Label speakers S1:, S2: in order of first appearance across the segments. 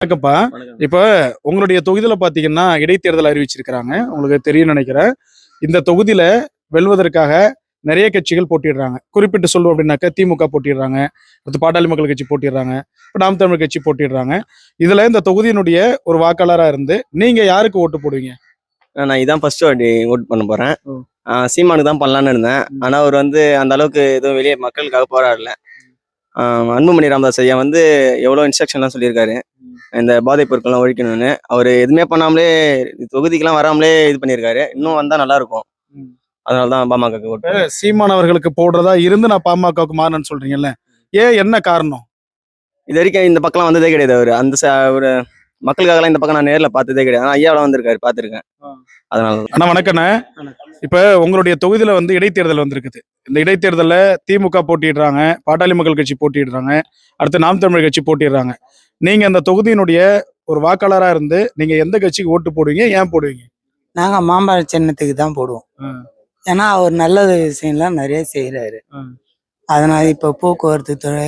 S1: வணக்கம்ப்பா.
S2: வணக்கம்.
S1: இப்ப உங்களுடைய தொகுதியில பார்த்தீங்கன்னா, இடைத்தேர்தல் அறிவிச்சிருக்கிறாங்க. உங்களுக்கு தெரியும்னு நெனைக்கிறேன். இந்த தொகுதியில வெல்வதற்காக நெறைய கட்சிகள் போட்டியிடுறாங்க. குறிப்பிட்டு சொல்லணும் அப்டின்னாக்கா, திமுக போட்டியிடுறாங்க. அடுத்து பாட்டாளி மக்கள் கட்சி போட்டியிடுறாங்க. இப்ப நாம் தமிழர் கட்சி போட்டியிடுறாங்க. இதுல இந்த தொகுதியினுடைய ஒரு வாக்காளரா இருந்து, நீங்க யாருக்கு ஓட்டு போடுவீங்க?
S2: நான் இதான் ஃபர்ஸ்ட் வாட்டி ஓட் பண்ண போறேன்.
S1: ஓ.
S2: சீமானுக்கு தான் பண்ணலான்னு இருந்தேன். ஆனா அவர் வந்து அந்த அளவுக்கு எதுவும் வெளியே மக்களுக்காக போராடல. அன்புமணி ராமதாஸ் ஐயா வந்து எவ்வளோ இன்ஸ்ட்ரக்ஷன்லாம் சொல்லியிருக்காரு. இந்த போதைப் பொருட்கள்லாம் ஒழிக்கணும்னு. அவர் எதுவுமே பண்ணாமலே தொகுதிக்கெல்லாம் வராமலே இது பண்ணியிருக்காரு. இன்னும் வந்தா நல்லா இருக்கும். அதனால தான் பாமகக்கு ஓட்டு.
S1: சீமான் அவர்களுக்கு போடுறதா இருந்து நான் பாமகவுக்கு மாறினேன்னு சொல்றீங்கல்ல. ஏன் என்ன காரணம்?
S2: இது வரைக்கும் இந்த பக்கம்லாம் வந்ததே கிடையாது. அவர் அந்த ஒரு மக்களுக்காகலாம் இந்த பக்கம் நான் நேர்ல பார்த்ததே கிடையாது. ஆனா ஐயாவெல்லாம் வந்திருக்காரு, பார்த்துருக்கேன். அதனால தான்.
S1: அண்ணா வணக்கண்ணே. இப்ப உங்களுடைய தொகுதியில வந்து இடைத்தேர்தல் வந்திருக்குது. இந்த இடைத்தேர்தல்ல திமுக போட்டியிடுறாங்க, பாட்டாளி மக்கள் கட்சி போட்டியிடுறாங்க, அடுத்து நாம் தமிழர் கட்சி போட்டியிடுறாங்க. நீங்க அந்த தொகுதியினுடைய ஒரு வாக்காளரா இருந்து நீங்க எந்த கட்சிக்கு ஓட்டு போடுவீங்க? ஏன் போடுவீங்க?
S3: நாங்க மாம்பழ சின்னத்துக்கு தான் போடுவோம். ஏன்னா அவர் நல்ல விஷயம்லாம் நிறைய செய்யறாரு. அதனால இப்ப போக்குவரத்து துறை,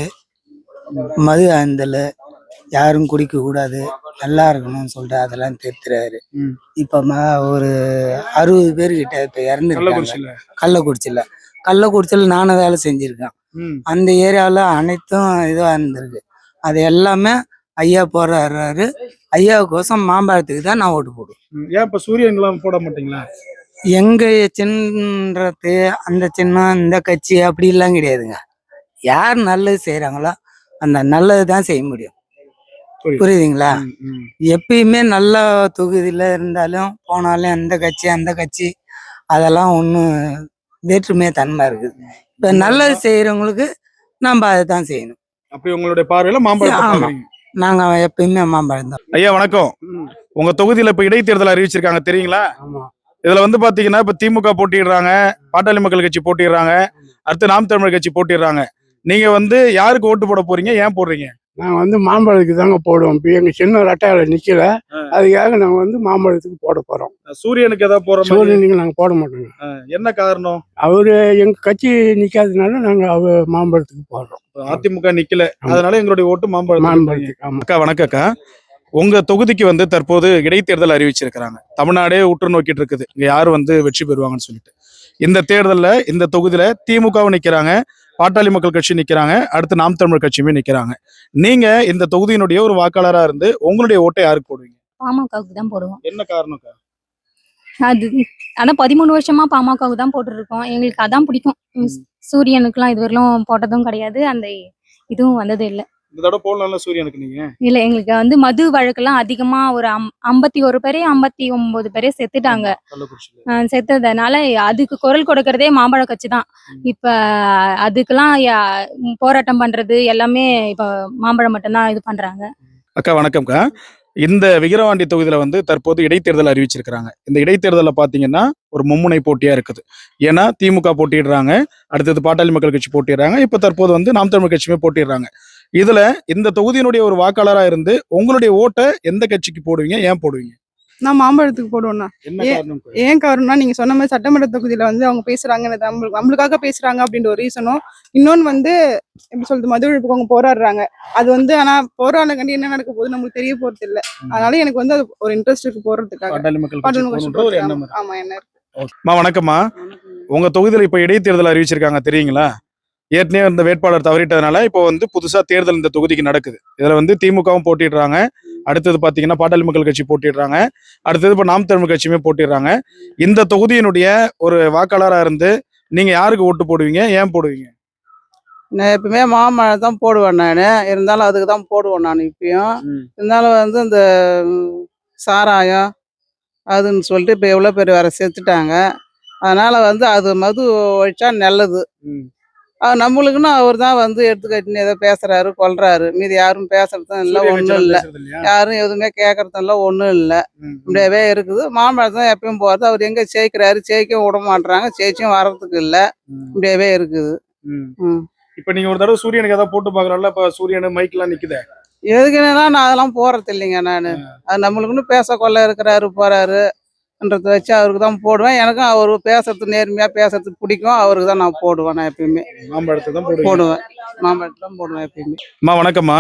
S3: மது அருந்தல் யாரும் குடிக்க கூடாது, நல்லா இருக்கணும்னு சொல்லிட்டு அதெல்லாம் திருத்துறாரு. இப்ப ஒரு 60 பேர்கிட்ட இப்ப இறந்துருக்காங்க கள்ளக்குறிச்சியில நானும் வேலை செஞ்சிருக்கேன். அந்த ஏரியாவில் அனைத்தும் இதுவா இருந்திருக்கு. அது எல்லாமே ஐயா போடுறாரு. ஐயாவுக்கோசம் மாம்பழத்துக்கு தான் நான் ஓட்டு போடுவேன்.
S1: ஏன் இப்ப சூரியன்லாம் போட மாட்டீங்களா?
S3: எங்க சின்னது அந்த சின்னம் இந்த கட்சி அப்படி எல்லாம் கிடையாதுங்க. யார் நல்லது செய்யறாங்களோ அந்த நல்லது தான் செய்ய முடியும். புரியுதுங்களா? எப்பயுமே நல்ல தொகுதியில இருந்தாலும் போனாலும் அந்த கட்சி அதெல்லாம் ஒன்றும் வேற்றுமையா தன்மை இருக்குது. இப்ப நல்லது செய்யறவங்களுக்கு நம்ம அதை தான் செய்யணும்.
S1: அப்படி உங்களுடைய பார்வையில மாம்பழம்?
S3: நாங்க எப்பயுமே மாம்பழம் தான்.
S1: ஐயா வணக்கம். உங்க தொகுதியில இப்ப இடைத்தேர்தல் அறிவிச்சிருக்காங்க தெரியுங்களா? இதுல வந்து பாத்தீங்கன்னா இப்ப திமுக போட்டிடுறாங்க, பாட்டாளி மக்கள் கட்சி போட்டிடுறாங்க, அடுத்து நாம் தமிழர் கட்சி போட்டிடுறாங்க. நீங்க வந்து யாருக்கு ஓட்டு போட போறீங்க? ஏன் போடுறீங்க?
S4: நான் வந்து மாம்பழத்துக்கு தாங்க போடுவோம். இப்போ எங்க சின்ன ரெட்டையால நிக்கல, அதுக்காக நாங்க வந்து மாம்பழத்துக்கு போட போறோம்.
S1: சூரியனுக்கு ஏதாவது போற
S4: சூரியனுக்கு நாங்க போட மாட்டோங்க.
S1: என்ன காரணம்?
S4: அவரு எங்க கட்சி நிக்காதனால நாங்க மாம்பழத்துக்கு போடுறோம்.
S1: அதிமுக நிக்கல, அதனால எங்களுடைய ஓட்டு மாம்பழத்துக்கு. அக்கா வணக்கக்கா. உங்க தொகுதிக்கு வந்து தற்போது இடைத்தேர்தல் அறிவிச்சிருக்கிறாங்க. தமிழ்நாடே உற்று நோக்கிட்டு இருக்குது, இங்க யாரு வந்து வெற்றி பெறுவாங்கன்னு சொல்லிட்டு. இந்த தேர்தல்ல இந்த தொகுதியில திமுகவும் நிக்கிறாங்க, பாட்டாளி மக்கள் கட்சி நிக்கிறாங்க, அடுத்து நாம் தமிழர் கட்சியுமே நிக்கிறாங்க. நீங்க இந்த தொகுதியினுடைய ஒரு வாக்காளரா இருந்து உங்களுடைய ஓட்டை யாருக்கு போடுவீங்க?
S5: பாமகவுக்கு தான் போடுவோம்.
S1: என்ன காரணம்க்கா?
S5: அது அதான் 13 வருஷமா பாமகவுக்கு தான் போட்டுருக்கோம். எங்களுக்கு அதான் பிடிக்கும். சூரியனுக்குலாம் இதுவரையிலும் போட்டதும் கிடையாது, அந்த இதுவும் வந்தது இல்லை.
S1: இந்த தடவை போடலாம்ல சூரியனுக்கு நீங்க?
S5: இல்ல, எங்களுக்கு வந்து மது வழக்கெல்லாம் அதிகமா ஒரு 51 பேரே 59 பேரே செத்துட்டாங்க. செத்ததுனால அதுக்கு குரல் கொடுக்கறதே மாம்பழ கட்சி தான். இப்ப அதுக்கெல்லாம் போராட்டம் பண்றது எல்லாமே இப்ப மாம்பழம் மட்டும்தான் இது பண்றாங்க.
S1: அக்கா வணக்கம்க்கா. இந்த விக்கிரவாண்டி தொகுதியில வந்து தற்போது இடைத்தேர்தல் அறிவிச்சிருக்கிறாங்க. இந்த இடைத்தேர்தல பாத்தீங்கன்னா ஒரு மும்முனை போட்டியா இருக்குது. ஏன்னா திமுக போட்டிடுறாங்க, அடுத்தது பாட்டாளி மக்கள் கட்சி போட்டிடுறாங்க, இப்ப தற்போது வந்து நாம் தமிழ் கட்சியுமே போட்டிடுறாங்க. இதுல இந்த தொகுதியினுடைய ஒரு வாக்காளரா இருந்து உங்களுடைய ஓட்டை எந்த கட்சிக்கு போடுவீங்க? ஏன் போடுவீங்க?
S6: நான் மாம்பழத்துக்கு போடுவேண்ணா.
S1: என்ன காரணம்?
S6: ஏன் காரணம்னா, நீங்க சொன்ன மாதிரி சட்டமன்ற தொகுதியில வந்து அவங்க பேசுறாங்க, நம்மளுக்காக பேசுறாங்க அப்படின்ற ஒரு ரீசனும், இன்னொன்னு வந்து எப்படி சொல்றது, மது ஒழிப்புக்கு அவங்க போராடுறாங்க. அது வந்து ஆனா போராடங்கண்டி என்ன நடக்க போகுது நம்மளுக்கு தெரிய போறது இல்ல. அதனால எனக்கு வந்து அது ஒரு இன்ட்ரெஸ்ட் இருக்கு போறதுக்காக. ஆமா, என்ன இருக்கு.
S1: வணக்கம்மா. உங்க தொகுதியில இப்ப இடைத்தேர்தல் அறிவிச்சிருக்காங்க தெரியுங்களா? ஏற்கனவே இந்த வேட்பாளர் தவறிட்டதுனால இப்போ வந்து புதுசா தேர்தல் இந்த தொகுதிக்கு நடக்குது. இதுல வந்து திமுகவும் போட்டிடுறாங்க, அடுத்தது பாத்தீங்கன்னா பாட்டாளி மக்கள் கட்சி போட்டிடுறாங்க, அடுத்தது இப்ப நாம் தமிழ் கட்சியுமே போட்டிடுறாங்க. இந்த தொகுதியினுடைய ஒரு வாக்காளரா இருந்து நீங்க யாருக்கு ஓட்டு போடுவீங்க? ஏன் போடுவீங்க?
S7: நான் எப்பவுமே மாம்பழம் தான் போடுவேன். நான் இருந்தாலும் அதுக்கு தான் போடுவேன். நான் இப்பயும் இருந்தாலும் வந்து இந்த சாராயம் அதுன்னு சொல்லிட்டு இப்போ எவ்வளோ பேர் வேற செத்துட்டாங்க. அதனால வந்து அது மது ஒழிச்சா நல்லது. நம்மளுக்குன்னு அவர் தான் வந்து எடுத்துக்கட்டின்னு ஏதோ பேசுறாரு, கொல்றாரு. மீதி யாரும் பேசுறதும் இல்லை, ஒன்றும் இல்லை. யாரும் எதுவுமே கேட்கறதும் இல்லை, ஒன்றும் இல்லை. இப்படியாவே இருக்குது. மாம்பழம் தான் எப்பயும் போகிறது. அவர் எங்க ஜெயிக்கிறாரு, ஜெயிக்க விட மாட்டாங்க, ஜெயிச்சும் வர்றதுக்கு இல்லை. இப்படியாவே இருக்குது.
S1: இப்ப நீங்க ஒரு தடவை சூரியனுக்கு ஏதாவது போட்டு பாக்குறோம்ல, இப்ப சூரியனு மைக்கெல்லாம் நிக்குதே,
S7: எதுக்குன்னா நான் அதெல்லாம் போறது இல்லைங்க. நான் அது நம்மளுக்குன்னு பேச கொள்ள இருக்கிறாரு, போறாரு ன்றதை வச்சு அவருக்கு தான் போடுவேன். எனக்கும் அவர் பேசுறது நேர்மையா பேசுறது பிடிக்கும். அவருக்கு தான் நான் போடுவேன். நான் எப்பயுமே
S1: மாம்பழத்தை தான்
S7: போடுவேன். மாம்பழத்தை தான் போடுவேன் எப்பயுமே.
S1: வணக்கம்மா.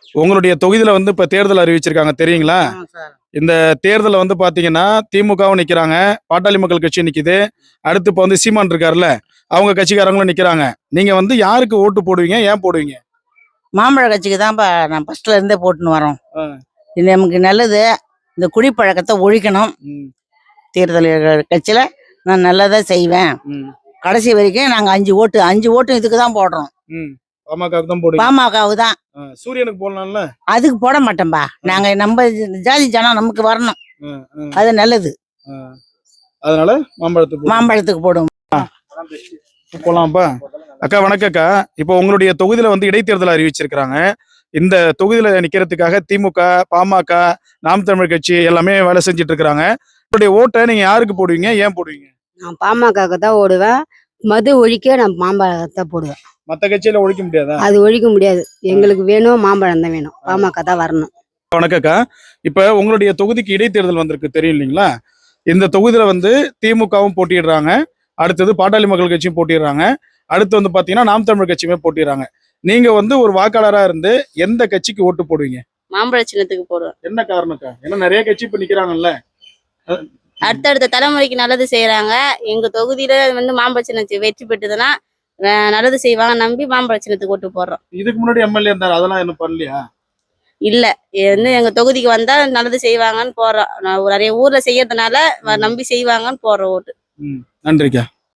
S1: உங்களுடைய தொகுதியில வந்து இப்ப தேர்தல் அறிவிச்சிருக்காங்க தெரியுங்களா? இந்த தேர்தல்ல வந்து பாத்தீங்கன்னா திமுகவும் நிக்கிறாங்க, பாட்டாளி மக்கள் கட்சி நிக்குது, அடுத்து இப்ப வந்து சீமான் இருக்காருல்ல, அவங்க கட்சிக்காரங்களும் நிக்கிறாங்க. நீங்க வந்து யாருக்கு ஓட்டு போடுவீங்க, ஏன் போடுவீங்க?
S8: மாம்பழ கட்சிக்கு தான்ப்பா நான் ஃபர்ஸ்ட்ல இருந்தே போட்டுன்னு வரோம்.
S1: ஆ.
S8: இது நமக்கு நல்லது. இந்த குடிப்பழக்கத்தை ஒழிக்கணும்.
S1: ம்,
S8: தேர்தல் கட்சியில நான் நல்லதா செய்வேன்.
S1: ம்,
S8: கடைசி வரைக்கும் நாங்க 5 ஓட்டு இதுக்கு தான் போடுறோம்.
S1: ம். பாமகவுக்கு தான் போடுவீங்க.
S8: பாமகவு தான்.
S1: சூரியனுக்கு போடலாம்ல?
S8: அதுக்கு போட மாட்டோம்பா. நாங்க நம்ம ஜாதி ஜனம் நமக்கு வரணும்.
S1: ம், ம்,
S8: அது நல்லது.
S1: ம். அதனால மாம்பழத்துக்கு
S8: மாம்பழத்துக்கு போடுவோம்.
S1: போலாம்ப்பா. அக்கா வணக்கக்கா. இப்போ உங்களுடைய தொகுதியில வந்து இடைத்தேர்தல் அறிவிச்சிருக்கிறாங்க. இந்த தொகுதியில நிக்கிறதுக்காக திமுக, பாமக, நாம் தமிழர் கட்சி எல்லாமே வேலை செஞ்சுட்டு இருக்கிறாங்க. உங்களுடைய ஓட்டை நீங்க யாருக்கு போடுவீங்க, ஏன் போடுவீங்க?
S9: நான் பாமகவுக்கு தான் ஓடுவேன். மது ஒழிக்க நான் மாம்பழத்தை போடுவேன்.
S1: மத்த கட்சியில ஒழிக்க முடியாதா?
S9: அது ஒழிக்க முடியாது. எங்களுக்கு வேணும், மாம்பழம் தான் வேணும். பாமக தான் வரணும்.
S1: வணக்கக்கா. இப்ப உங்களுடைய தொகுதிக்கு இடைத்தேர்தல் வந்திருக்கு தெரியும் இல்லைங்களா? இந்த தொகுதியில வந்து திமுகவும் போட்டிடுறாங்க, அடுத்தது பாட்டாளி மக்கள் கட்சியும் போட்டிடுறாங்க, அடுத்து வந்து பாத்தீங்கன்னா நாம் தமிழர் கட்சியுமே போட்டிடுறாங்க. நீங்க வந்து ஒரு வாக்காளரா இருந்து எந்த கட்சிக்கு ஓட்டு போடுவீங்க?
S10: மாம்பழ சின்னத்துக்கு போடுவேன்.
S1: என்ன காரணக்கா? ஏன்னா நிறைய கட்சி இப்ப நிக்கிறாங்கல்ல.
S10: அடுத்தடுத்த தலைமுறைக்கு நல்லது செய்யறாங்க. எங்க தொகுதியில வந்து மாம்பழ சின்னத்துக்கு வெற்றி பெற்றதுன்னா நல்லது செய்வாங்க நம்பி மாம்பழ சின்னத்துக்கு ஓட்டு போடுறோம்.
S1: இதுக்கு முன்னாடி எம்எல்ஏ இருந்தாரு, அதெல்லாம் என்ன பண்ணலையா?
S10: இல்ல வந்து எங்க தொகுதிக்கு வந்தா நல்லது செய்வாங்கன்னு போடுறோம். நான் நிறைய ஊர்ல செய்யறதுனால நம்பி செய்வாங்கன்னு போடுற ஓட்டு.
S1: நன்றிக்கா.